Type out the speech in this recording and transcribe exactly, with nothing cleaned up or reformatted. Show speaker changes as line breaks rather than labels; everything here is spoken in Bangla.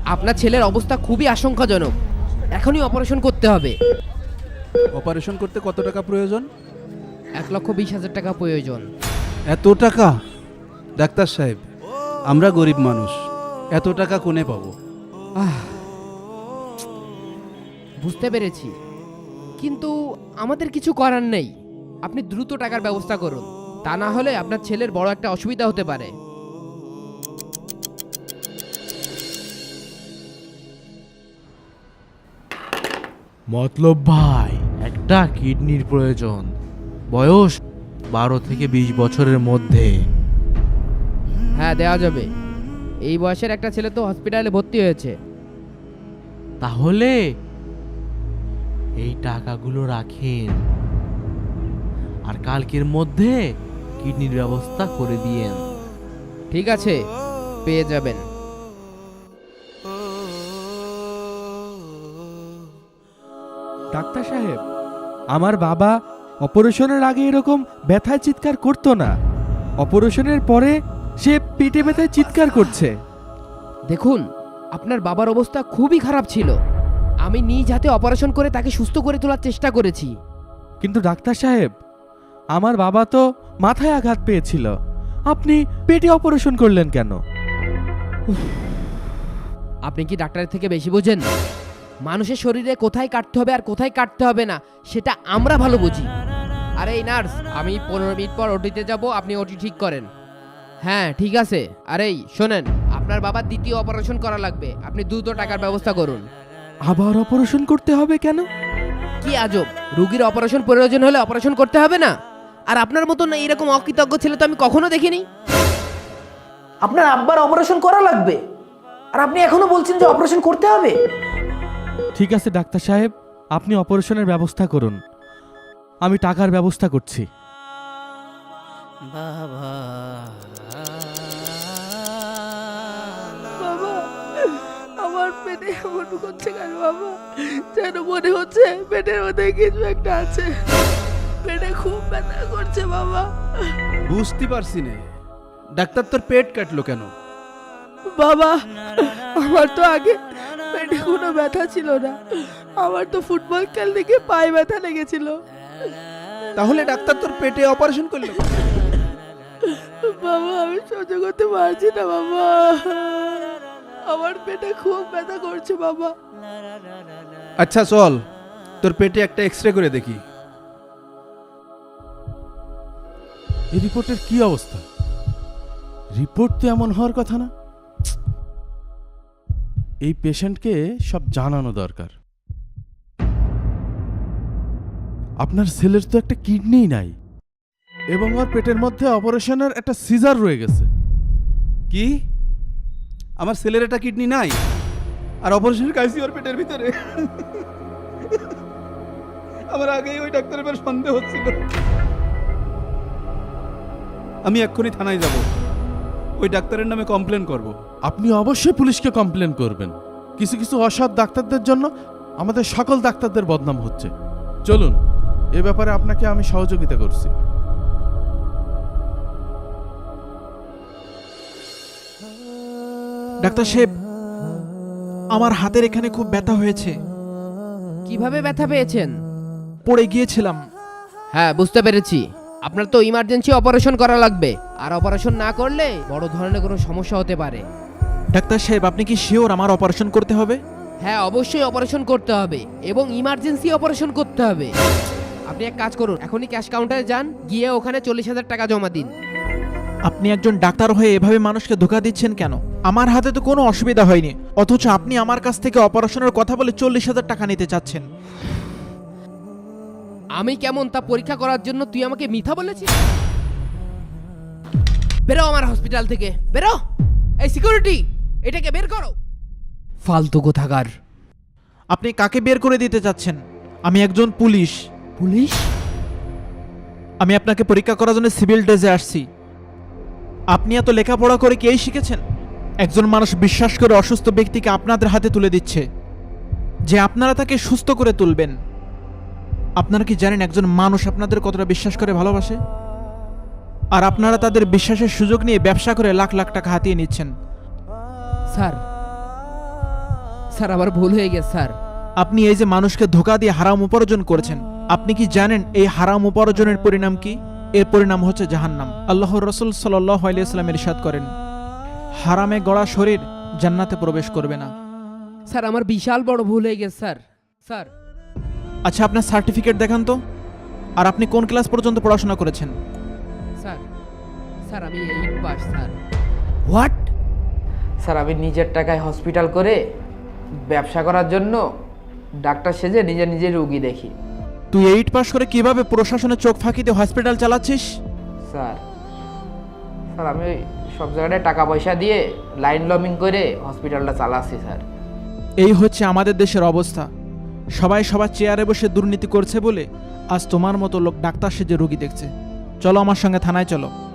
আপনার ছেলের অবস্থা খুবই আশঙ্কাজনক, এখনই অপারেশন করতে হবে।
অপারেশন করতে কত টাকা প্রয়োজন?
এক লক্ষ বিশ হাজার টাকা প্রয়োজন।
এত টাকা? ডাক্তার সাহেব, আমরা গরিব মানুষ, এত টাকা কোনে পাবো?
আহ, বুঝতে পেরেছি, কিন্তু আমাদের কিছু করার নেই। আপনি দ্রুত টাকার ব্যবস্থা করুন, তা না হলে আপনার ছেলের বড় একটা অসুবিধা হতে পারে।
মতলব ভাই, একটা কিডনির প্রয়োজন, বয়স বারো থেকে বিশ বছরের মধ্যে।
হ্যাঁ, দেওয়া যাবে। এই বয়সের একটা ছেলে তো হসপিটালে ভর্তি হয়েছে।
তাহলে এই টাকাগুলো রাখেন, আর কালকের মধ্যে কিডনির ব্যবস্থা করে দিয়েন।
ঠিক আছে, পেয়ে যাবেন।
ডাক্তার সাহেব, আমার বাবা অপারেশনের আগে এরকম ব্যথায় চিৎকার করতো না, অপারেশনের পরে সে পেটে ব্যথায় চিৎকার করছে।
দেখুন, আপনার বাবার অবস্থা খুবই খারাপ ছিল। আমি নিজ হাতে অপারেশন করে তাকে সুস্থ করে তোলার চেষ্টা করেছি।
কিন্তু ডাক্তার সাহেব, আমার বাবা তো মাথায় আঘাত পেয়েছিল, আপনি পেটে অপারেশন করলেন কেন?
আপনি কি ডাক্তারের থেকে বেশি বোঝেন? মানুষের শরীরে কোথায় কাটতে হবে আর কোথায় কাটতে হবে না সেটা আমরা ভালো বুঝি। আরে এই নার্স, আমি পনেরো মিনিট পর ওটিতে যাব, আপনি ওটি ঠিক করেন। হ্যাঁ ঠিক আছে। আরে এই শোনেন, আপনার বাবার দ্বিতীয় অপারেশন করা লাগবে, আপনি দ্রুত টাকার ব্যবস্থা করুন।
আবার অপারেশন করতে হবে কেন?
কি আজব, রুগীর অপারেশন প্রয়োজন হলে অপারেশন করতে হবে না? আর আপনার মতন এরকম অকৃতজ্ঞ ছেলে তো আমি কখনো দেখিনি। আপনার আব্বার অপারেশন করা লাগবে, আর আপনি এখনো বলছেন যে অপারেশন করতে হবে।
ঠিক আছে ডাক্তার সাহেব, আপনি অপারেশনের ব্যবস্থা করুন, আমি টাকার ব্যবস্থা করছি।
বাবা,
বাবা, আমার পেটে এমন করছে কেন বাবা? যেন মনে হচ্ছে পেটের মধ্যে কিছু একটা আছে। পেটে খুব ব্যথা করছে বাবা।
বুঝতে পারছি না, ডাক্তার তোর পেট কাটলো কেন?
বাবা, আমার তো আগে পেটে কোনো ব্যথা ছিল না, আমার তো ফুটবল খেলতে গিয়ে পায়ে ব্যথা লেগেছিল।
তাহলে ডাক্তার তোর পেটে অপারেশন করলো?
বাবা, আমি সহ্য করতে পারছি না বাবা, আমার পেটে খুব ব্যথা করছে বাবা।
আচ্ছা চল, তোর পেটে একটা এক্সরে করে দেখি।
এই রিপোর্টের কি অবস্থা? রিপোর্ট তো এমন হওয়ার কথা না। এই পেশেন্টকে সব জানানো দরকার। আপনার ছেলের তো একটা কিডনি নাই, এবং ওর পেটের মধ্যে অপারেশনের একটা সিজার রয়ে গেছে।
কি? আমার ছেলের একটা কিডনি নাই আর অপারেশনের কাইসি ওর পেটের ভিতরে? আমার আগেই ওই ডাক্তারের উপর সন্দেহ হচ্ছিল। আমি এক্ষুনি থানায় যাব, ওই ডাক্তারের নামে কমপ্লেন করব।
আপনি অবশ্যই পুলিশকে কমপ্লেন করবেন। কিছু কিছু অসৎ ডাক্তারদের জন্য আমাদের সকল ডাক্তারদের বদনাম হচ্ছে। চলুন, এ ব্যাপারে আপনাকে আমি সহযোগিতা করছি।
ডাক্তার সাহেব, আমার হাতের এখানে খুব ব্যথা হয়েছে।
কিভাবে ব্যথা পেয়েছেন?
পড়ে গিয়েছিলাম।
হ্যাঁ বুঝতে পেরেছি, আপনার তো ইমার্জেন্সি অপারেশন করা লাগবে, আর অপারেশন না করলে বড় ধরনের কোনো সমস্যা হতে পারে।
ডাক্তার সাহেব, আপনি কি শিওর আমার অপারেশন করতে হবে?
হ্যাঁ অবশ্যই অপারেশন করতে হবে, এবং ইমার্জেন্সি অপারেশন করতে হবে। আপনি এক কাজ করুন, এখনই ক্যাশ কাউন্টারে যান, গিয়ে ওখানে চল্লিশ হাজার টাকা জমা দিন।
আপনি একজন ডাক্তার হয়ে এভাবে মানুষকে ধোঁকা দিচ্ছেন কেন? আমার হাতে তো কোনো অসুবিধা হয়নি, অথচ আপনি আমার কাছ থেকে অপারেশনের কথা বলে চল্লিশ হাজার টাকা নিতে চাচ্ছেন।
আমি কেমন তা পরীক্ষা করার জন্য তুই আমাকে মিথ্যা বলেছিস? বেরো আমার হসপিটাল থেকে, বেরো। এই সিকিউরিটি, এটাকে বের করো। ফালতু কোথাকার।
আপনি কাকে বের করে দিতে চাচ্ছেন? আমি একজন পুলিশ।
পুলিশ?
আমি আপনাকে পরীক্ষা করার জন্য সিভিল ড্রেসে আসছি। আপনি এত লেখাপড়া করে কি এই শিখেছেন? একজন মানুষ বিশ্বাস করে অসুস্থ ব্যক্তিকে আপনাদের হাতে তুলে দিচ্ছে যে আপনারা তাকে সুস্থ করে তুলবেন। আপনারা কি জানেন একজন মানুষ আপনাদের কতটা বিশ্বাস করে ভালোবাসে? আর আপনারা তাদের বিশ্বাসের সুযোগ নিয়ে ব্যবসা করে লাখ লাখ টাকা হাতিয়ে নিচ্ছেন।
স্যার, স্যার আমার ভুল হয়ে গেছে স্যার।
আপনি এই যে মানুষকে ধোকা দিয়ে হারাম উপার্জন করেছেন, আপনি কি জানেন এই হারাম উপার্জনের পরিণাম কি? এর পরিণাম হচ্ছে জাহান্নাম। আল্লাহর রাসূল সাল্লাল্লাহু আলাইহি ওয়াসাল্লাম ইরশাদ করেন, হারামে গড়া শরীর জান্নাতে প্রবেশ করবে না।
স্যার আমার বিশাল বড় ভুল হয়ে গেছে স্যার। স্যার
আচ্ছা, আপনার সার্টিফিকেট দেখান তো। আর আপনি কোন ক্লাস পর্যন্ত পড়াশোনা করেছেন?
স্যার স্যার আমি eight pass sir.
What? Sir আমি নিজের টাকায় হসপিটাল করে ব্যবসা করার জন্য ডাক্তার সেজে নিজে নিজে রুগী দেখি।
তুই এইট পাস করে কিভাবে প্রশাসনের চোখ ফাঁকি দিয়ে হসপিটাল চালাচ্ছিস?
স্যার স্যার আমি সব জায়গায় টাকা পয়সা দিয়ে লাইন লমিং করে হসপিটালটা চালাচ্ছি স্যার।
এই হচ্ছে আমাদের দেশের অবস্থা। সবাই সবার চেয়ারে বসে দুর্নীতি করছে বলে আজ তোমার মতো লোক ডাক্তার সেজে রোগী দেখছে। চলো আমার সঙ্গে থানায় চলো।